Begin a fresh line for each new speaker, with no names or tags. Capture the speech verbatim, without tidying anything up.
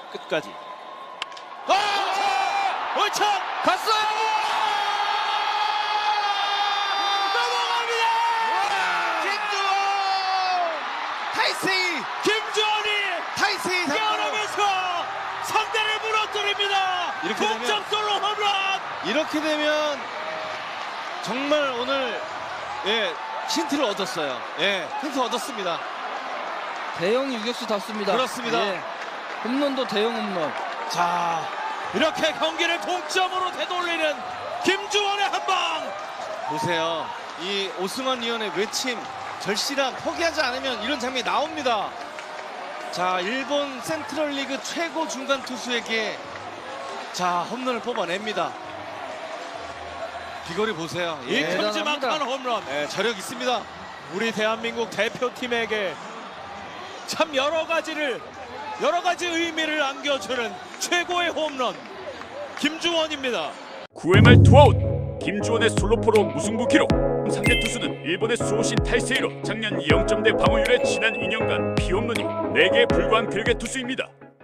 끝까지. 아! 올창 갔어요. 넘어갑니다.
김주원! 타이세이!
김주원이
타이세이
뛰어나면서 상대를 무너뜨립니다.
이렇게 되면-
동점 솔로 홈런.
이렇게 되면 정말 오늘 예 힌트를 얻었어요. 예 힌트 얻었습니다.
대형 유격수답습니다.
그렇습니다.
예. 홈런도 대형 홈런.
자, 이렇게 경기를 동점으로 되돌리는 김주원의 한 방.
보세요. 이 오승환 위원의 외침, 절실함, 포기하지 않으면 이런 장면이 나옵니다. 자, 일본 센트럴리그 최고 중간 투수에게 자 홈런을 뽑아냅니다. 비거리 보세요.
이
예,
대단합니다.
큼지막한 홈런.
예, 저력 있습니다.
우리 대한민국 대표팀에게 참 여러 가지를 여러 가지 의미를 안겨주는 최고의 홈런 김주원입니다.
구 회 말 투아웃. 김주원의 솔로포로 무승부 기록. 상대 투수는 일본의 수호신 타이세이로 작년 영 점대 방어율의 지난 이 년간 피홈런이 네 개에 불과한 궤계 투수입니다.